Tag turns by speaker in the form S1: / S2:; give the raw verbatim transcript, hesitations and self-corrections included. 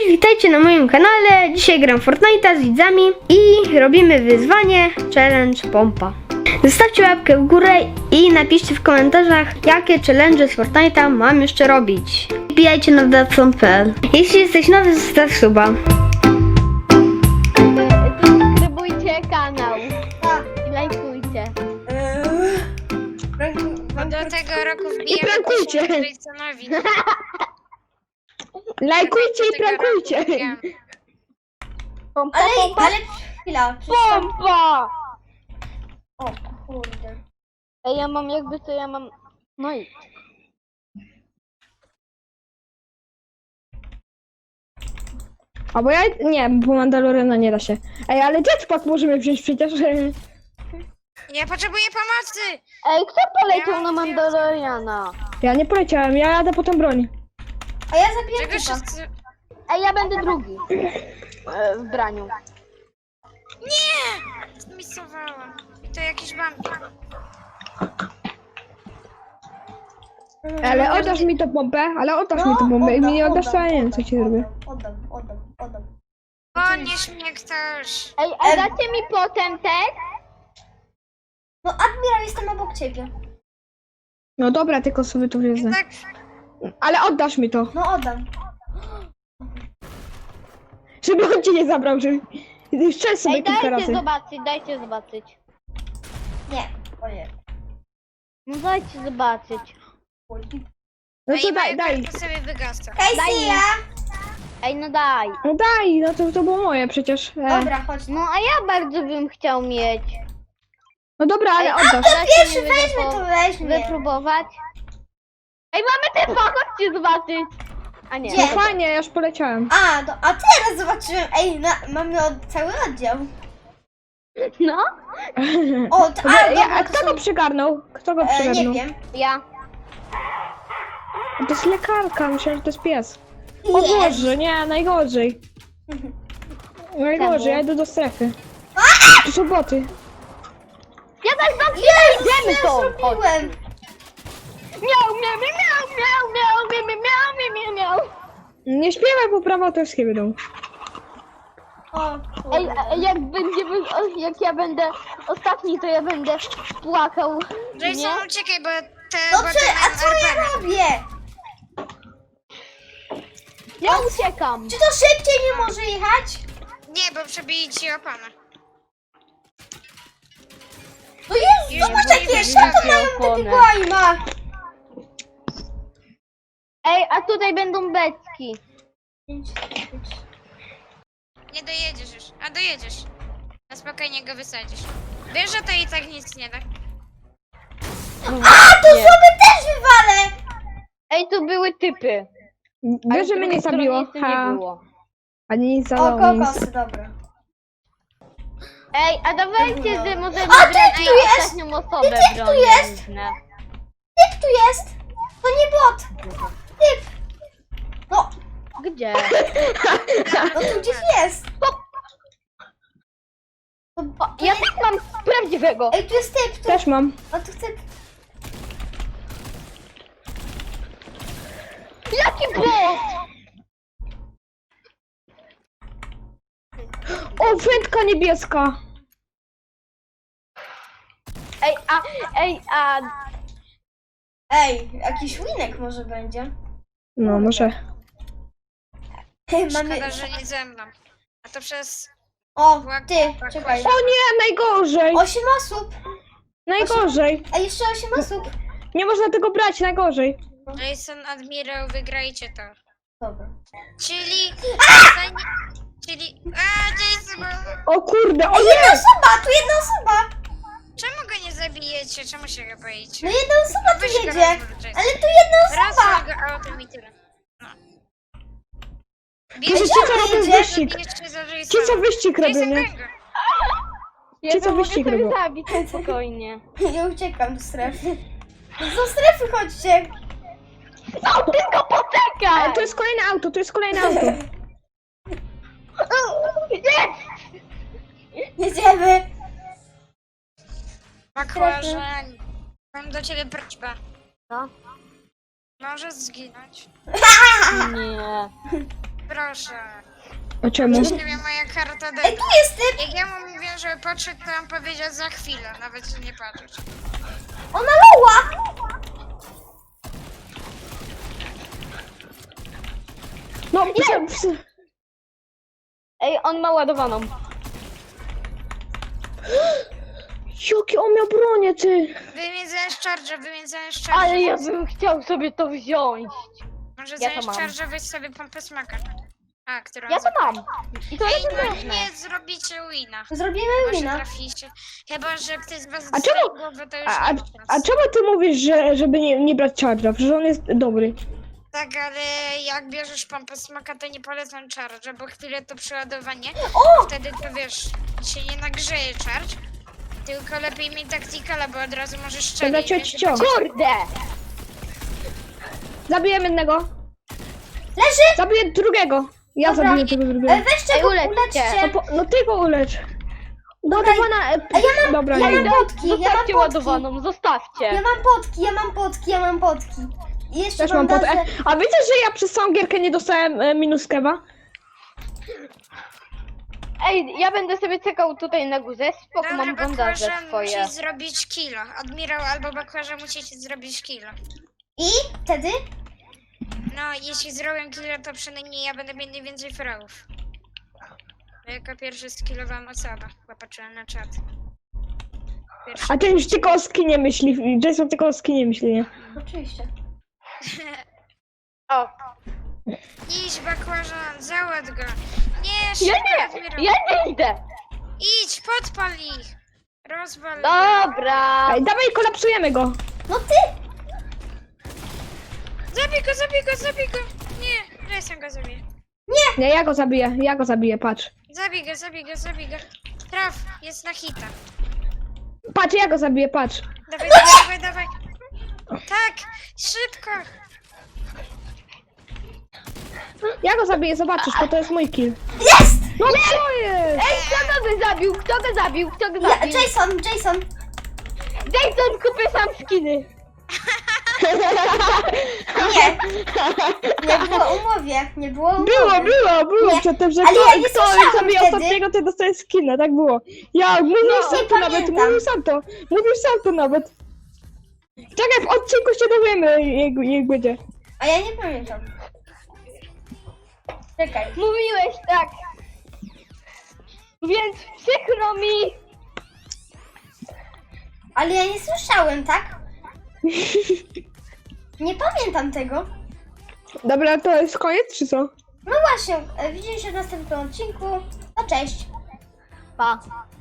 S1: witajcie na moim kanale. Dzisiaj gram Fortnite'a z widzami i robimy wyzwanie challenge pompa. Zostawcie łapkę w górę i napiszcie w komentarzach, jakie challenge z Fortnite'a mam jeszcze robić. Wbijajcie na datson kropka p l. Jeśli jesteś nowy, zostaw suba.
S2: Subskrybujcie kanał i lajkujcie.
S3: Bo do tego roku
S4: I
S3: wbijemy
S4: prankujcie.
S3: Graysonowi.
S4: Lajkujcie i prankujcie.
S2: Pompa,
S5: Ale,
S2: pompa,
S5: ale chwila, przecież...
S2: pompa!
S5: O kurde.
S2: Ej, ja mam jakby to ja mam... No i...
S4: A bo ja... Nie, bo Mandaloriana nie da się. Ej, ale jetpack możemy wziąć przecież.
S3: Ja potrzebuję pomocy!
S2: Ej, kto poleciał
S3: Ja
S2: na
S3: mam
S2: Mandaloriana?
S4: Ja nie poleciałem, ja jadę po tą broń.
S5: A ja zabiję
S3: Czego
S5: typa.
S3: wszyscy...
S2: Ej, ja będę drugi. E, w braniu.
S3: Nie! Zmisowałam. I to jakiś wampir.
S4: Ale oddasz mi tą pompę, ale oddasz mi tą pompę. I mi nie oddasz, to ja nie wiem co ci zrobię.
S5: Oddam, oddam, oddam.
S3: Podnieś mnie ktoś.
S2: Ej, a dacie mi potem też?
S5: No admiral, jestem obok ciebie.
S4: No dobra, tylko sobie to wezmę.
S3: Tak,
S4: Ale oddasz mi to.
S5: No oddam.
S4: Żeby on ci nie zabrał, żeby... Strzel sobie
S2: Ej,
S4: kilka
S2: dajcie
S4: razy.
S2: zobaczyć, dajcie zobaczyć.
S5: Nie, o nie.
S2: No dajcie zobaczyć.
S4: No
S3: a
S4: to
S3: i
S4: daj, daj.
S3: to sobie wygasa.
S5: Hej,
S2: Daj mi.
S5: Sia!
S2: Ej, no daj.
S4: No daj, no to, to było moje przecież. E.
S5: Dobra, chodź.
S2: No a ja bardzo bym chciał mieć.
S4: No dobra, ale oddasz.
S2: Dacie
S5: Pierwszy
S2: mi
S5: weźmy,
S2: wypo-
S5: to weźmie.
S2: Wypróbować. Ej, mamy typa, chodźcie zobaczyć. A nie.
S5: Gdzie?
S4: No fajnie, ja już poleciałem.
S5: A, no, a teraz zobaczyłem. Ej, na, mamy od, cały oddział.
S2: No?
S5: O, to, a,
S4: Dobra, ja,
S5: dobra,
S4: a
S5: to
S4: kto
S5: są-
S4: go przygarnął? Kto go
S5: E, nie
S4: przygarnął?
S5: wiem.
S2: Ja.
S4: To jest lekarka, myślałem, że to jest pies. O
S5: Nie.
S4: Boże, nie, najgorzej. Najgorzej, ja idę do strefy. Tu są boty.
S2: Ja tak wam
S5: Jezus,
S2: idziemy
S5: ja
S2: to.
S5: zrobiłem.
S2: Miau, miau, miau, miau, miau, miau, miau, miau, miau, miau, miau.
S4: Nie śpiewaj, bo prawa autorskie będą.
S5: O,
S2: Ej,
S5: kurde.
S2: a jak będziemy, o, jak ja będę ostatni, to ja będę płakał. Nie?
S3: Grayson, uciekaj, bo te
S5: No
S3: boty
S5: czy, a
S3: mają
S5: co ja
S3: R P.
S5: robię?
S2: Ja uciekam.
S5: Czy to szybciej nie może jechać?
S3: Nie, bo przebili ci opanę.
S5: No Jezu,
S3: Już
S5: zobacz
S3: nie
S5: jakie
S3: będzie
S5: szaty
S2: miał
S5: mają
S2: opony.
S5: takiego aima.
S2: Ej, a tutaj będą beczki.
S3: Nie dojedziesz już. A dojedziesz. Na spokojnie go wysadzisz. Wiesz, że to i tak nic nie da.
S5: A, to sobie też wywalę.
S2: Ej, to były typy. Ale
S4: Wiesz,
S2: z
S4: że mnie nie
S2: drugiej strony
S4: zabiło.
S2: nic nie
S4: Ha.
S2: było.
S4: Ani nic
S5: O,
S4: zalało, nic.
S5: kokosy, dobra.
S2: Ej, a dawajcie, że możemy
S5: A, ty
S2: grać
S5: tu
S2: na
S5: jest!
S2: ostatnią osobę
S5: Ty, ty tu jest!
S2: broniężne.
S5: Typ tu jest. To nie bot. Typ. No,
S2: Gdzie?
S5: no tu gdzieś jest.
S2: O, ja też mam prawdziwego.
S5: Ej, tu jest typ. Tu.
S4: Też mam.
S5: A tu typ.
S2: Jaki bot?
S4: O, wędka niebieska.
S2: Ej, a, ej, a...
S5: Ej, jakiś winek może będzie.
S4: No, może.
S5: Hej, mamy...
S3: Szkoda, że nie ze mną. A to przez...
S5: O, ty, czekaj.
S4: O nie, najgorzej.
S5: Osiem osób.
S4: Najgorzej.
S5: A jeszcze osiem osób.
S4: Nie można tego brać, najgorzej.
S3: Jason, Admirał, wygrajcie to.
S5: Dobra.
S3: Czyli... Zanim... Czyli... A, Jason!
S4: O kurde, o
S5: Ej,
S4: nie!
S5: jedna osoba, tu jedna osoba.
S3: Czemu go nie zabijecie? Czemu się go boicie?
S5: No jedna osoba tu
S3: Weź go
S5: jedzie.
S3: rozwal, Jason.
S5: Ale tu jedna
S3: Raz
S5: osoba.
S3: go autem i tyle. No.
S4: Ci,
S3: Bierzcie
S4: co robią
S5: jedzie?
S4: wyścig.
S3: zabijecie za
S4: Ci, co
S3: Jasona.
S4: wyścig robią,
S3: Jason,
S4: nie?
S3: goń go.
S2: Ja
S4: Ci, co
S2: to mogę
S4: wyścig
S2: sobie
S4: robią.
S2: zabić, spokojnie.
S5: Ja uciekam do strefy. Do strefy chodźcie.
S2: No, tylko poczekaj!
S4: Ale to jest kolejne auto, to jest kolejne auto.
S2: Nie!
S5: Jedziemy.
S3: Bakłażan. Mam do ciebie prośbę.
S2: Co?
S3: Możesz zginąć.
S2: Nie.
S3: Proszę. proszę.
S4: A czemu?
S3: Nie wiem, moja karta
S5: Ej,
S3: D.
S5: tu jest typ!
S3: Jak ja mu mówię, żeby podszedł, to on powiedział za chwilę, nawet że nie patrzeć.
S5: Ona loła!
S4: No, nie!
S2: Ej, on ma ładowaną.
S4: Jaki on miał bronię, ty!
S3: Wymieniając charge, wymieniając charge.
S2: Ale ja bym chciał sobie to wziąć.
S3: Może
S2: ja to
S3: zamiast
S2: mam.
S3: charge weź sobie pompę smaka. A, którą
S2: Ja to mam. I to
S3: Ej,
S2: jest
S3: no
S2: ważne.
S3: nie zrobicie wina.
S5: Zrobimy
S3: Może
S5: wina.
S3: traficie. Chyba, że ktoś z was
S4: A
S3: dostaje
S4: czemu-
S3: głowę, to już
S4: A, a,
S3: nie ma
S4: a
S3: szans.
S4: czemu ty mówisz, że, żeby nie, nie brać charge'a? Przecież on jest dobry.
S3: Tak, ale jak bierzesz pompę smaka, to nie polecam charge, bo chwilę to przeładowanie. Wtedy to wiesz, się nie nagrzeje charge. Tylko lepiej mieć taktikala, bo od razu możesz
S4: Dobra,
S3: strzelić.
S4: cio, cio.
S2: Kurde!
S4: Zabiję jednego.
S5: Leży!
S4: Zabiję drugiego. Ja
S5: Dobra.
S4: zabiję tego
S5: E,
S4: drugiego.
S5: weźcie
S2: Ej,
S5: go,
S2: uleczcie.
S5: uleczcie!
S4: No, po, no ty go ulecz.
S5: Dobra,
S4: Ładowana... E,
S5: a ja mam-
S4: Dobra,
S5: ja
S4: nie
S5: mam
S4: idę.
S5: potki, ja mam
S2: Zostawcie
S5: potki.
S2: ładowaną, zostawcie.
S5: Ja mam potki, ja mam potki, ja mam potki. I jeszcze
S4: Też mam pod...
S5: bandaże.
S4: e, A wiecie, że ja przez całą gierkę nie dostałem e, minus kewa?
S2: Ej, ja będę sobie czekał tutaj na górze. Spoko,
S3: Dobra,
S2: mam bandaże
S3: bakłażan
S2: swoje.
S3: musi zrobić kilo. Admirał albo bakłażan musicie zrobić kilo.
S5: I wtedy?
S3: No, jeśli zrobię kilo, to przynajmniej ja będę miał najwięcej fragów. Bo jako pierwszy skillowałam osoba. Popatrzyłem na czat. Pierwszy.
S4: A ten już tylko o skinie myśli. Jason tylko o skinie myśli, nie?
S5: Oczywiście.
S2: O,
S3: Idź, bakłażan, załatw go. Nie, szybko,
S2: ja nie,
S3: Admirał.
S2: ja nie idę.
S3: Idź, podpal ich. Rozwal go.
S2: Dobra.
S4: Ej, dawaj, kolapsujemy go.
S5: No ty!
S3: Zabij go, zabij go, zabij go. Nie, Jason go zabije.
S4: Nie, ja go zabiję, ja go zabiję, patrz.
S3: Zabij go, zabij go, zabij go. Traf, jest na hita.
S4: Patrz, ja go zabiję, patrz.
S3: Dawaj, dawaj, dawaj, dawaj. Tak, szybko.
S4: Ja go zabiję, zobaczysz, bo to jest mój kill.
S5: Jest!
S4: No co jest?
S2: Ej, kto go zabił? Kto go zabił? Kto go
S5: Ja,
S2: zabił?
S5: Jason, Jason!
S2: Jason, kupię sam skiny.
S5: Nie! Nie było umowie, nie było umowy.
S4: Było, było, było
S5: Nie,
S4: przedtem, że
S5: ale
S4: kto,
S5: ja nie
S4: kto
S5: słyszałam
S4: zabije
S5: wtedy.
S4: ostatniego, to dostaje skina, tak było. Ja, mówił
S5: No,
S4: sam
S5: nie
S4: to nawet,
S5: pamiętam.
S4: mówił sam to, mówił sam to nawet. Czekaj, w odcinku się dowiemy, jak, jak będzie.
S5: A ja nie pamiętam. Czekaj.
S2: Mówiłeś tak. Więc przykro mi.
S5: Ale ja nie słyszałem, tak? Nie pamiętam tego.
S4: Dobra, to jest koniec, czy co?
S5: No właśnie, e, widzimy się w następnym odcinku. No cześć.
S2: Pa.